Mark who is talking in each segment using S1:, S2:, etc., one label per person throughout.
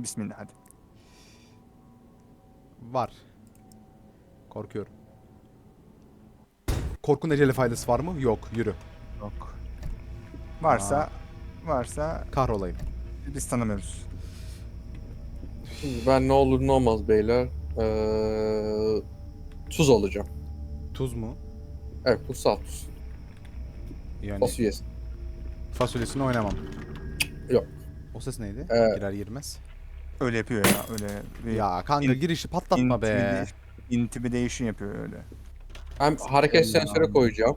S1: Bismillah hadi.
S2: Var. Korkuyorum. Korkun eceli faydası var mı? Yok. Yürü.
S1: Yok. Varsa
S2: Kahrolayım.
S1: biz tanımıyoruz.
S3: Şimdi ben ne olur ne olmaz beyler. Tuz alacağım.
S2: Tuz mu?
S3: Evet, kutsal tuz.
S2: Yani
S3: Fasulyesi.
S2: fasulyesini oynamam.
S3: Yok.
S2: O ses neydi?
S3: Evet.
S2: Girer girmez.
S1: Öyle yapıyor ya öyle. Bir
S2: Ya kanka
S1: in-
S2: girişi patlatma be.
S1: Intimidation yapıyor öyle.
S3: Hem hareket sensörü koyacağım.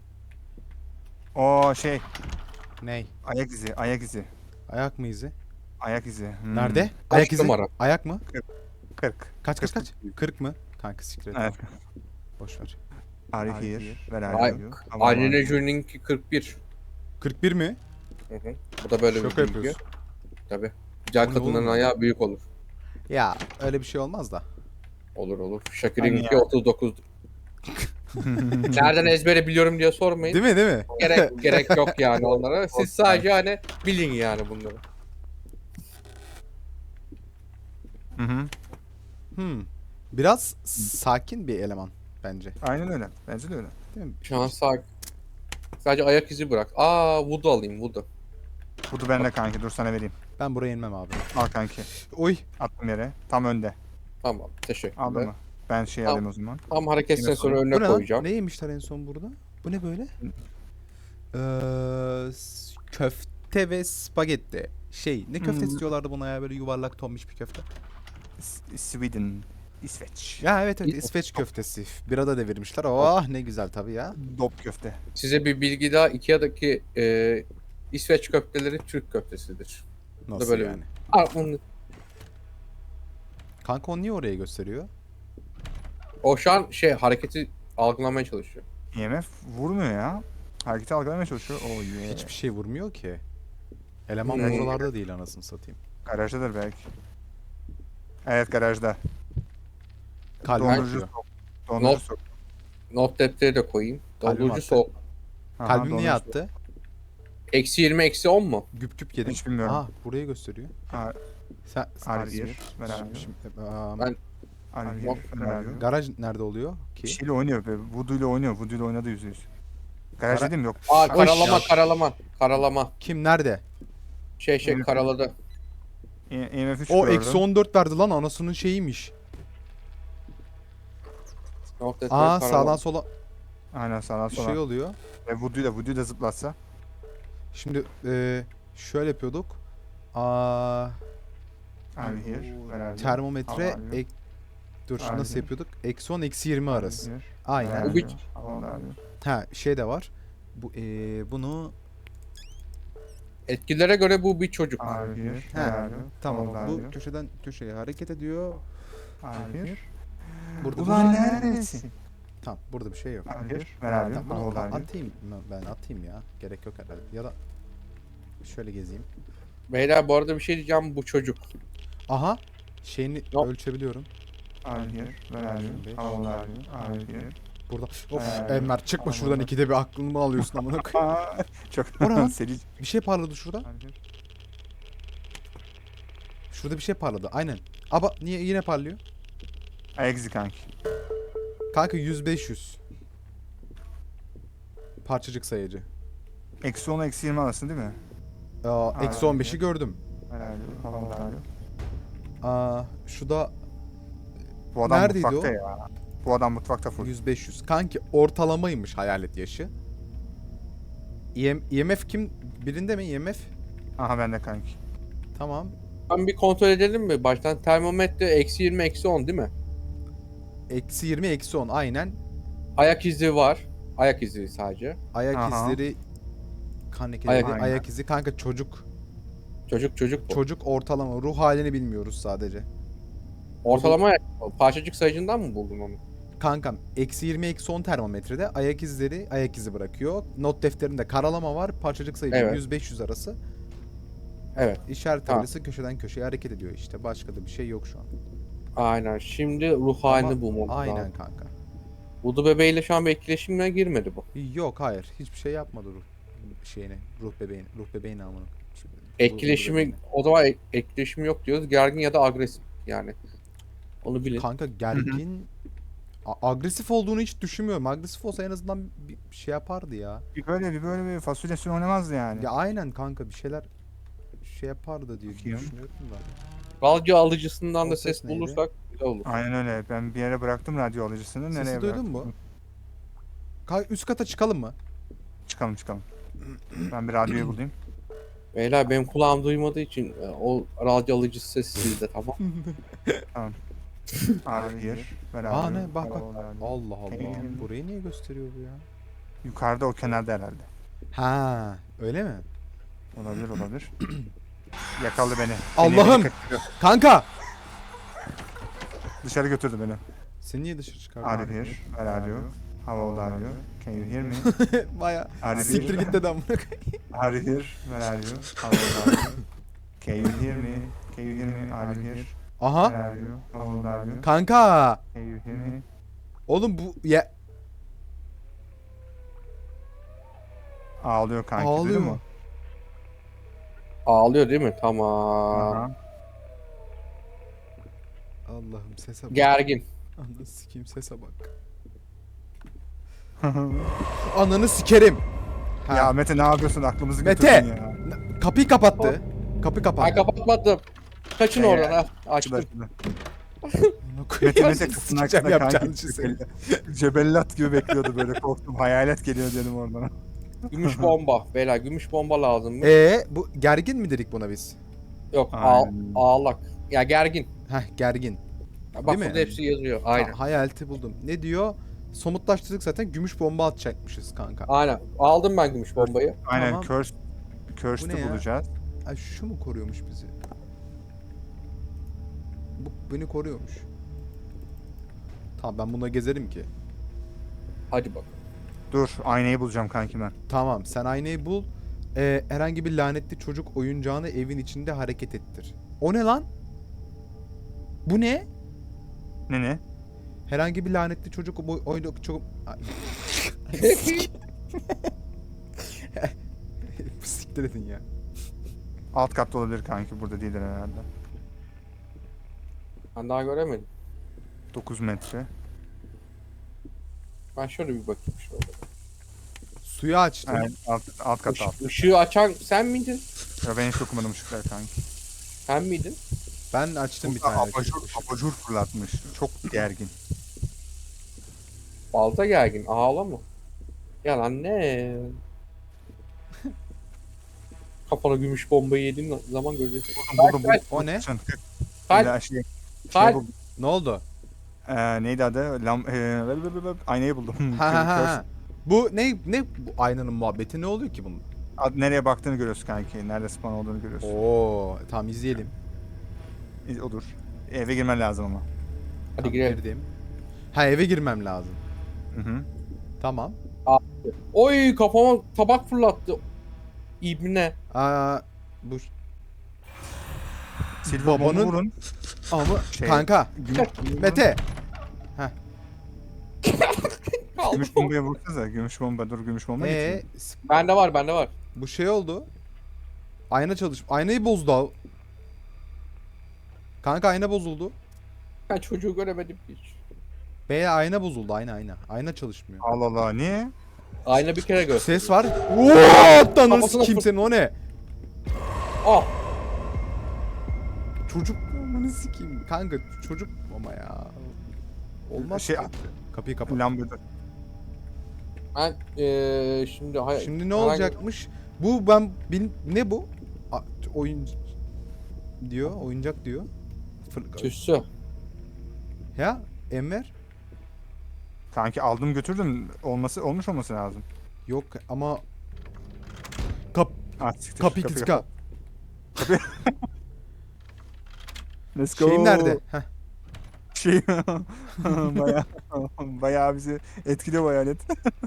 S1: O şey
S2: Ney?
S1: ayak izi ayak izi.
S2: Ayak mı izi?
S1: Ayak izi.
S2: Nerede?
S3: Kaç
S2: Ayak izi.
S3: numara?
S2: Ayak mı?
S1: 40.
S2: Kaç kaç
S1: 40.
S2: kaç? 40 mı? Kanka siktir et.
S1: Evet.
S2: Boş ver.
S1: Are you here? Where are
S3: Ay,
S1: you? How are
S3: Angelina
S1: you?
S3: Jolie'ninki 41.
S2: 41 mi?
S3: Hı hı. Bu da böyle
S2: Şaka
S3: bir bilgi.
S2: yapıyorsun.
S3: Tabii. Güzel
S2: Bu ne
S3: kadının
S2: oğlum?
S3: ayağı büyük olur.
S2: Ya öyle bir şey olmaz da.
S3: Olur olur.
S1: Hani
S3: Shakira'nınki
S1: ya.
S3: 39. Nereden ezbere biliyorum diye sormayın.
S2: Değil mi değil mi?
S3: Gerek yok yani onlara. Siz sadece hani bilin yani bunları.
S1: Hı hı.
S2: Biraz sakin bir eleman bence.
S1: Aynen öyle. Bence de öyle.
S2: Değil mi?
S3: Şu an sadece ayak izi bırak. Voodoo alayım voodoo.
S1: Budu bende kanki. Dur sana vereyim.
S2: Ben buraya inmem abi.
S1: Al kanki.
S2: Oy.
S1: Attım yere. Tam önde.
S3: Tamam teşekkürler.
S1: Aldın mı? Ben şey
S3: Tamam.
S1: alayım o zaman.
S3: Tam hareket
S1: Yine
S3: sensörü
S1: sorayım.
S2: Bu
S3: önüne
S2: ne lan?
S3: koyacağım.
S2: Ne yemişler en son burada? Bu ne böyle? Köfte ve spagetti. Ne köftesi
S1: Hmm.
S2: diyorlardı buna ya, böyle yuvarlak tombiş bir köfte.
S1: Sweden. İsveç.
S2: Ya evet İsveç köftesi. Birada devirmişler. Oh ne güzel tabii ya.
S1: Dop köfte.
S3: Size bir bilgi daha. Ikea'daki İsveç köfteleri Türk köftesidir.
S2: Nasıl
S3: böyle
S2: yani? Kanka o niye oraya gösteriyor?
S3: O şu an hareketi algılamaya çalışıyor.
S1: IMF vurmuyor ya. Hareketi algılamaya çalışıyor. Oh yeah.
S2: Hiçbir şey vurmuyor ki. Eleman
S3: Hmm.
S2: buralarda değil anasını satayım.
S1: Garajdadır belki. Evet garajda.
S2: Kalbim
S1: Dondurucu
S2: atıyor.
S1: sok. Dondurucu
S3: Not-
S1: sok.
S3: Not defteri de koyayım.
S2: Kalbim
S3: Dondurucu
S2: attı.
S3: soğuk.
S1: Aha,
S2: Kalbim niye
S1: dondurucu sok.
S2: attı?
S3: -20 -10 mu?
S2: Güp güp yedim.
S1: Hiç bilmiyorum.
S2: Aa burayı gösteriyor.
S1: Aa,
S2: Sen
S1: Are
S2: İzmir.
S1: you here? Where are you?
S3: Ben-
S1: Are you here? Where are you?
S2: Garaj nerede oluyor
S1: Bir
S2: ki?
S1: şeyle oynuyor be. Voodoo ile oynuyor. Voodoo ile oynadı %100. Garaj
S2: Gara-
S1: dedim yok.
S3: Karalama.
S2: Kim nerede?
S1: Evet.
S3: Karaladı.
S1: IMF 3
S2: O
S1: gördüm.
S2: eksi 14 verdi lan, anasının şeyiymiş.
S3: Not defteri
S2: Aa
S3: karalama.
S2: sağdan sola
S1: Aynen sağdan
S2: bir
S1: sola.
S2: şey oluyor.
S1: Ve Voodoo'yu da zıplatsa.
S2: Şimdi şöyle yapıyorduk. Aa
S1: Are you here? Where are you?
S2: termometre
S1: How are you?
S2: dur
S1: Are
S2: nasıl
S1: you?
S2: yapıyorduk? Eksi 10 eksi 20
S1: Are you
S2: arası.
S1: here?
S2: Aynen.
S1: Where are
S3: Bu
S1: you? How are you?
S2: Ha şey de var. Bunu
S3: Etkilere göre bu bir çocuk.
S1: Are you here?
S2: He,
S1: Where are you?
S2: tamam
S1: How are
S2: bu
S1: you?
S2: köşeden köşeye hareket ediyor.
S1: Are you here?
S2: Burada
S1: Ulan neredesin?
S2: tamam burada bir şey yok.
S1: Are you here? Where are you?
S2: Tamam,
S1: How
S2: bunu
S1: are you?
S2: atayım ben atayım ya. Gerek yok herhalde. Ya da şöyle gezeyim.
S3: Beyler bu arada bir şey diyeceğim, bu çocuk.
S2: Aha şeyini
S3: Yok.
S2: ölçebiliyorum.
S1: Are you here? Where are you? How old are you? Are you here?
S2: Burada. Of
S1: Ee,
S2: Enver çıkma
S1: tamam,
S2: şuradan,
S1: bak.
S2: ikide bir aklımı alıyorsun amına koyayım.
S1: Aa, çok
S2: O ne lan?
S1: seri.
S2: Bir şey parladı şurada.
S1: Are you here?
S2: Şurada bir şey parladı. Aynen. Ama niye yine parlıyor?
S1: Ayak izi kanki.
S2: Kanka 100-500. Parçacık sayıcı.
S1: Eksi 10 eksi 20 arasında değil mi?
S2: Eksi 15'i gördüm.
S1: Where are you? How old are you?
S2: Şu da
S1: Bu adam
S2: Neredeydi
S1: mutfakta
S2: o?
S1: ya. Bu adam mutfakta full.
S2: 100-500. Kanki ortalamaymış hayalet yaşı. IMF kim? Birinde mi IMF?
S1: Aha bende kanki.
S2: Tamam.
S3: Ben bir kontrol edelim mi? Baştan termometre -20 -10 değil mi?
S2: Eksi 20 eksi 10 aynen.
S3: Ayak izi var. Ayak izi sadece.
S2: Ayak
S1: Aha.
S2: izleri kan lekeleri,
S1: Aynen.
S2: ayak izi kanka çocuk.
S3: Çocuk bu.
S2: Çocuk ortalama ruh halini bilmiyoruz sadece.
S3: Ortalama parçacık sayıcından mı buldun onu?
S2: Kankam eksi 20 eksi 10 termometrede ayak izleri ayak izi bırakıyor. Not defterinde karalama var. Parçacık sayıcı
S3: Evet.
S2: 100-500 arası.
S3: Evet.
S2: İşaret
S3: Tamam.
S2: tabelası köşeden köşeye hareket ediyor işte. Başka da bir şey yok şu an.
S3: Aynen. Şimdi ruh halini bulmamız
S2: Aynen
S3: lazım.
S2: kanka.
S3: Voodoo bebeğiyle şu an bir etkileşimine girmedi bu.
S2: Yok hayır. Hiçbir şey yapmadı ruh şeyine. Ruh bebeğine. Ruh bebeğine amına.
S3: Etkileşimi o zaman etkileşimi yok diyoruz. Gergin ya da agresif yani. Onu bilin.
S2: Kanka gergin agresif olduğunu hiç düşünmüyorum. Agresif olsa en azından bir şey yapardı ya.
S1: Bir böyle fasulyesini oynamazdı yani.
S2: Ya aynen kanka bir şeyler şey yapardı diye
S1: Bakayım.
S2: düşünüyorum da.
S3: Radyo alıcısından
S2: O
S3: da
S2: ses
S3: ses
S2: neydi?
S3: bulursak güzel olur.
S1: Aynen öyle. Ben bir yere bıraktım radyo alıcısını.
S2: Sesi
S1: Nereye
S2: duydun
S1: bıraktım?
S2: mu? Üst kata çıkalım mı?
S1: Çıkalım. Ben bir radyoyu bulayım.
S3: Beyler benim kulağım duymadığı için o radyo alıcısı sesi sizde tamam.
S1: Abi here.
S2: Aa ne bak bak.
S1: Radyo.
S2: Allah Allah. Burayı niye gösteriyor bu ya?
S1: Yukarıda o kenarda herhalde.
S2: Ha, öyle mi?
S1: Olabilir. Yakaladı beni.
S2: Allah'ım!
S1: Beni kaçırıyor.
S2: Kanka!
S1: Dışarı götürdü beni.
S2: Seni niye dışarı çıkardın?
S1: Are you here? Where are you? How old are you? Can you hear me?
S2: Baya
S1: Are you
S2: siktir
S1: here?
S2: git dedi amına koyayım.
S1: Are you here? Where are you? How old are you? Can you hear me? Can you hear me? Are you here? Where
S2: Aha!
S1: are you? How old are you?
S2: Kanka!
S1: Can you hear me?
S2: Oğlum bu ya
S1: Ağlıyor kanki.
S2: ağlıyor
S1: duydun
S2: mu?
S1: mu?
S3: Ağlıyor değil mi? Tamam.
S1: Aha.
S2: Allah'ım sese bak.
S3: Gergin.
S2: Ananı sikeyim sese bak. Ananı sikerim. Ha.
S1: Ya Mete ne yapıyorsun? Aklımızı
S2: Mete!
S1: götürdün ya.
S2: Kapıyı kapattı. Kapı
S3: Ben
S2: kapattı.
S3: kapatmadım. Kaçın oradan ha. Açtım.
S1: Mete
S2: Kapıyı
S1: kapısının
S2: sikeceğim
S1: arkasında
S2: yapacağın
S1: kanki.
S2: işi seni.
S1: Cebellat gibi bekliyordu böyle korktum. Hayalet geliyor dedim oradan.
S3: Gümüş bomba. Beyler gümüş bomba lazım mı?
S2: Bu gergin mi dedik buna biz?
S3: Yok
S1: Aynen.
S3: ağlak. Ya gergin.
S2: Heh gergin.
S3: Ya bak
S2: Değil mi?
S3: burada hepsi yazıyor. Aynen.
S2: Tamam, hayaleti buldum. Ne diyor? Somutlaştırdık zaten gümüş bomba atacakmışız kanka.
S3: Aynen. Aldım ben gümüş bombayı.
S1: Aynen
S2: Tamam. Bu ne
S1: Cursed'ı
S2: ya?
S1: bulacağız.
S2: Ay şu mu koruyormuş bizi? Bu beni koruyormuş. Tamam ben bununla gezerim ki.
S3: Hadi bak.
S1: Dur aynayı bulacağım kanki ben.
S2: Tamam sen aynayı bul. Herhangi bir lanetli çocuk oyuncağını evin içinde hareket ettir. O ne lan? Bu ne?
S1: Ne?
S2: Herhangi bir lanetli çocuk oyuncak çok... Ay. Siktir edin ya.
S1: Alt katta olabilir kanki burada değildir herhalde.
S3: Ben daha göremedim.
S1: 9 metre.
S3: Ben şöyle bir bakayım şöyle.
S2: Suyu açtım.
S1: Evet, alt katta alt.
S3: Işığı açan sen miydin?
S1: Ya ben hiç okumadım ışıkları kanki.
S3: Sen miydin?
S2: Ben açtım bir
S1: Burada
S2: tane.
S1: abajur fırlatmış. Çok gergin.
S3: Balta gergin. Ağla mı? Yalan ne? Kafana gümüş bombayı yediğin zaman göreceksin.
S1: Buldum.
S2: O ne?
S3: Kalp.
S1: Şey
S3: Kalp.
S1: buldum.
S2: Ne oldu?
S1: Neydi adı? Aynayı buldum.
S2: Ha. Bu ne bu aynanın muhabbeti ne oluyor ki bunun?
S1: Nereye baktığını görüyorsun kanki. Nerede spawn olduğunu görüyorsun.
S2: Oo, tamam izleyelim.
S1: Odur. Eve girmen lazım ama.
S3: Hadi
S2: Tamam,
S3: girelim.
S2: girdim. Ha eve girmem lazım.
S1: Hı.
S2: Tamam.
S3: Oy kafama tabak fırlattı. İbne.
S2: Bu
S1: Silver
S2: Babanın-
S1: bombu vurun.
S2: ama
S1: Şey-
S2: kanka Mete
S1: Gümüş bombaya vursanıza. Gümüş bomba. Dur gümüş bomba getireyim.
S3: Bende var.
S2: bu şey oldu. Ayna aynayı bozdu. Kanka ayna bozuldu.
S3: Ben çocuğu göremedim hiç.
S2: Bey ayna bozuldu ayna. Ayna çalışmıyor.
S1: Allah Allah. Niye?
S3: Ayna bir kere gör.
S2: Ses var. What? Nasıl
S3: Kafasına
S2: kimsenin o ne?
S3: Ah.
S2: Çocuk amanı sikeyim. Kanka çocuk ama ya. Olmaz
S1: Şey-
S2: ki. Kapıyı kapat.
S1: Lambada.
S3: Ben şimdi
S2: Şimdi ne olacakmış? Bu ben ne bu? Oyun diyor, oyuncak diyor.
S3: Tüssü.
S2: Ya Enver?
S1: Kanki aldım götürdüm. Olmuş olması lazım.
S2: Yok ama
S1: Siktir.
S2: kapıyı
S1: Kapıyı
S2: kıska.
S1: Let's go.
S2: Şeyim nerede? Heh.
S1: Şey bayağı bizi etkiliyor bu hayalet.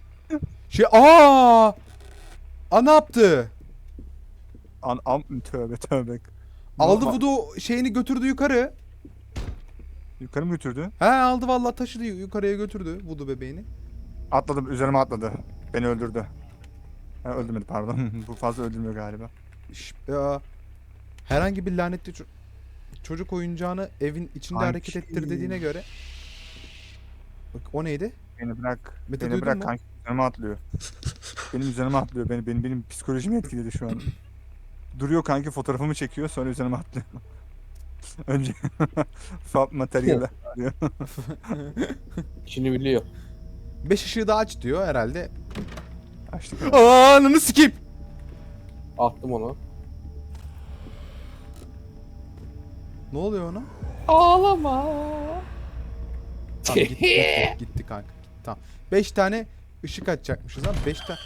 S2: Aa! Ne yaptı?
S1: Tövbe.
S2: Aldı Voodoo şeyini götürdü yukarı.
S1: Yukarı mı götürdü?
S2: He aldı vallahi taşıdı yukarıya götürdü Voodoo bebeğini.
S1: Atladım üzerime atladı. Beni öldürdü. Öldürmedi pardon. Bu fazla öldürmüyor galiba.
S2: Herhangi bir lanetli çocuk oyuncağını evin içinde
S1: Kanki.
S2: hareket ettir dediğine göre. Bak o neydi?
S1: Beni bırak.
S2: Mete,
S1: Beni
S2: duydun
S1: bırak
S2: mu?
S1: kanki. Üzerime atlıyor. Benim üzerime atlıyor. Benim psikolojimi etkiledi şu an. Duruyor kanki, fotoğrafımı çekiyor, sonra üzerime atlıyor. Önce fab materyali arıyor.
S3: İşini biliyor.
S2: 5 ışığı daha aç diyor herhalde.
S1: Açtık.
S2: Aa, ananı sikeyim.
S3: Attım onu.
S2: Ne oluyor ona?
S3: Ağlama.
S2: Tamam gitti kanka. Tamam. 5 tane ışık açacakmışız lan. 5 tane.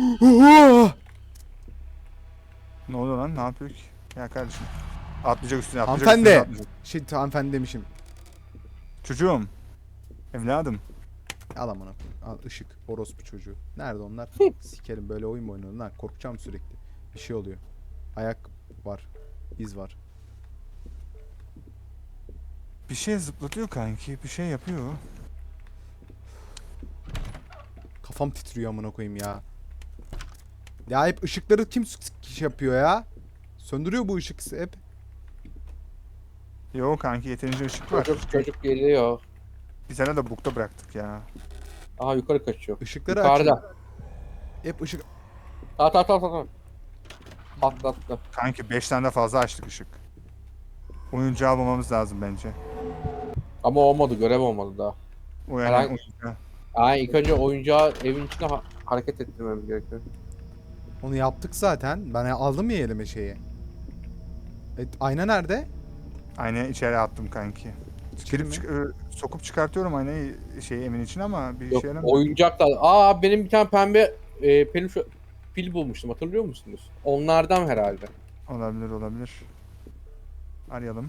S1: Ne oluyor lan? Ne yapıyor ki? Ya kardeşim. Atlayacak üstüne, atlayacak
S2: Hanımefendi.
S1: üstüne atlayacak.
S2: Hanımefendi demişim.
S1: Çocuğum. Evladım.
S2: Al amına koyayım. Al ışık. Orospu çocuğu. Nerede onlar? Sikerim, böyle oyun mu oynanır lan? Korkacağım sürekli. Bir şey oluyor. Ayak var. İz var.
S1: Bir şey zıplatıyor kanki. Bir şey yapıyor.
S2: Kafam titriyor amına koyayım ya. Ya hep ışıkları kim yapıyor ya? Söndürüyor bu ışık hep.
S1: Yo kanki, yeterince ışık var.
S3: Çocuk geliyor.
S1: Bir tane de bukta bıraktık ya.
S3: Aha yukarı kaçıyor.
S2: Işıkları
S3: Yukarıda.
S2: açın. Hep ışık.
S3: At. Atlattı.
S1: Kanki 5 tane de fazla açtık ışık. Oyuncağı bulmamız lazım bence.
S3: Ama olmadı, görev olmadı daha.
S1: O yani
S3: Herhangi-
S1: oyuncağı.
S3: Yani ilk önce oyuncağı evin içinde hareket ettirmemiz gerekiyor.
S2: Onu yaptık zaten. Ben aldım ya elime şeyi. Ayna nerede?
S1: Aynayı içeri attım kanki.
S2: İçeri mi?
S1: Sokup çıkartıyorum aynayı evin için ama bir
S3: Yok,
S1: şey yaramıyor.
S3: oyuncak da. Benim bir tane pembe peluş pil bulmuştum, hatırlıyor musunuz? Onlardan herhalde.
S1: Olabilir. Arayalım.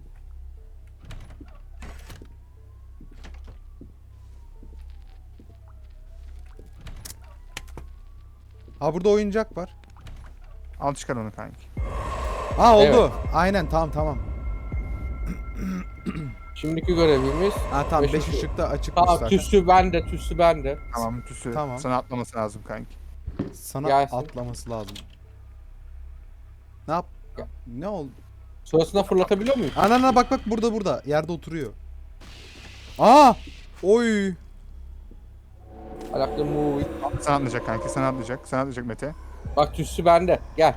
S2: Ha, burada oyuncak var.
S1: Al çıkar onu kanki.
S2: Ha, oldu.
S3: Evet.
S2: Aynen, tamam.
S3: Şimdiki görevimiz.
S2: Ha tamam, 5
S3: Beş
S2: ışık da açıkmış
S3: Tamam,
S2: zaten.
S3: tüsü bende.
S1: Tamam tüsü.
S2: Tamam.
S1: Sana atlaması lazım kanki.
S2: Sana
S3: Gelsin.
S2: atlaması lazım. Ne yap?
S3: Gel.
S2: Ne oldu?
S3: Sonrasında fırlatabiliyor muyum?
S2: Anana bak burada yerde oturuyor. Aa! Oy!
S3: Alaklı move.
S1: Sana atlayacak kanki. Sana atlayacak Mete.
S3: Bak tüsü bende. Gel.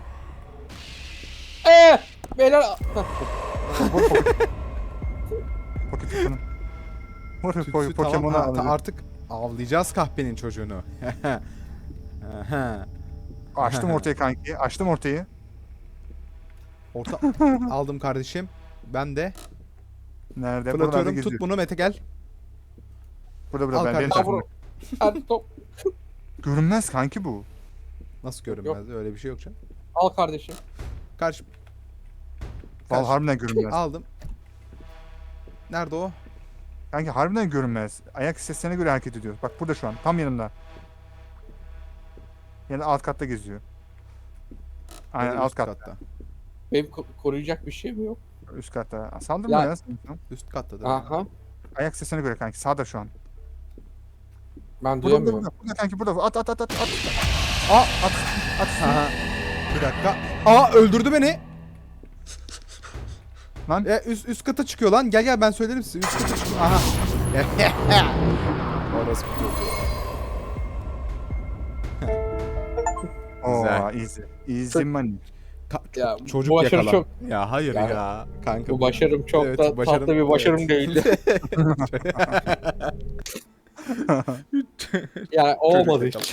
S3: Beyler.
S1: Pokemon'u.
S2: Tütsü
S1: Pokemon'u
S2: tamam.
S1: alacak.
S2: Artık avlayacağız kahpenin çocuğunu. Aha.
S1: Açtım ortayı kanki. Açtım ortayı.
S2: Orta aldım kardeşim. Ben de
S1: Nerede?
S2: fırlatıyorum.
S1: Buralarda
S2: Tut
S1: geziyor.
S2: bunu Mete, gel.
S1: Burada
S2: Al
S1: ben benim
S2: kardeşim.
S1: tarafımda.
S3: Hadi top.
S1: Görünmez kanki bu.
S2: Nasıl görünmez? Öyle bir şey yok canım.
S3: Al kardeşim.
S2: Karşı
S1: Vallahi harbiden görünmez.
S2: aldım. Nerede o?
S1: Kanki harbiden görünmez. Ayak seslerine göre hareket ediyor. Bak burada şu an. Tam yanımda. Yani alt katta geziyor. Aynen
S2: Öyle
S1: alt
S2: üst
S1: katta.
S3: Benim koruyacak bir şey mi yok?
S1: Üst katta. Saldırma
S2: Ya-
S1: ya. sen.
S2: Üst katta da.
S3: Aha.
S1: Ayak sesine göre kanki. Sağda şu an.
S3: Ben
S1: Burada
S3: duyamıyorum.
S1: burada kanki burada. At.
S2: Aa! Aha. Bir dakika. Aa, öldürdü beni.
S1: Lan.
S2: Üst kata çıkıyor lan. Gel ben söylerim size. Üst kata çıkıyor. Aha. Orası bir çocuğu.
S1: Oo,
S2: Güzel.
S1: easy. Easy money.
S3: Ya,
S2: Çocuk
S3: bu başarı
S2: yakala.
S3: çok.
S2: Ya hayır
S3: Yani
S2: ya. Kanka
S3: Bu başarım çok
S2: Evet,
S3: da
S2: başarım-
S3: tatlı bir başarım
S2: evet.
S3: değildi. Yani olmadı
S1: yakala.
S3: hiç.